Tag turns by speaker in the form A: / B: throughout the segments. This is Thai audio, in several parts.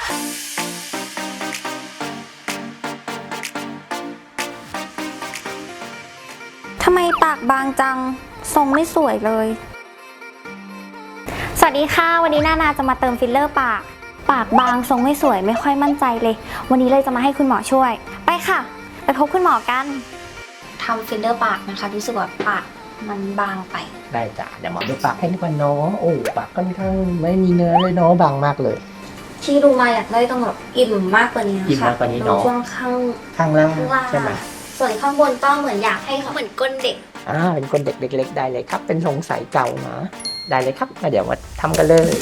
A: ทำไมปากบางจังทรงไม่สวยเลยสวัสดีค่ะวันนี้นาจะมาเติมฟิลเลอร์ปากบางทรงไม่สวยไม่ค่อยมั่นใจเลยวันนี้เลยจะมาให้คุณหมอช่วยไปค่ะไปพบคุณหมอกันทำฟิลเลอร์ปากนะคะรู้สึกว่าปากมันบางไป
B: ได้จ้ะเดี๋ยวหมอดูปากให้ดีกว่าน้องโอ้ปากค่อนข้างไม่มีเนื้อเลยเนาะบางมากเลย
A: ที่ดูมาอยากได้ต้องแบบอิ่มมากกว่านี้นะคะ
B: อิ่มมากกว่านี้เนาะ
A: ช่วง
B: ข้างล่างใช่ไหม
A: ส่วนข้างบนต้องเหมือนอยากให้เขาเหมือนก้นเด็ก
B: เป็นคนเด็กเล็กๆได้เลยครับเป็นทรงสายเก่านะได้เลยครับเดี๋ยวมาทำกันเลย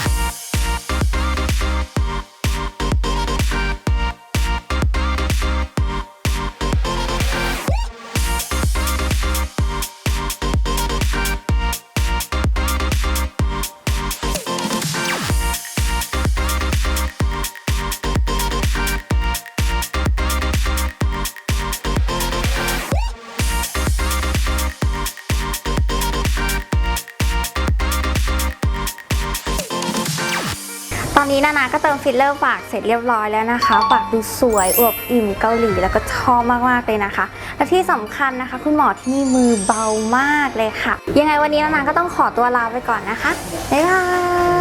A: ตอนนี้นาก็เติมฟิลเลอร์ปากเสร็จเรียบร้อยแล้วนะคะปากดูสวยอวบอิ่มเกาหลีแล้วก็ชอบมากๆเลยนะคะและที่สำคัญนะคะคุณหมอที่นี่มือเบามากเลยค่ะยังไงวันนี้นาก็ต้องขอตัวลาไปก่อนนะคะบ๊ายบาย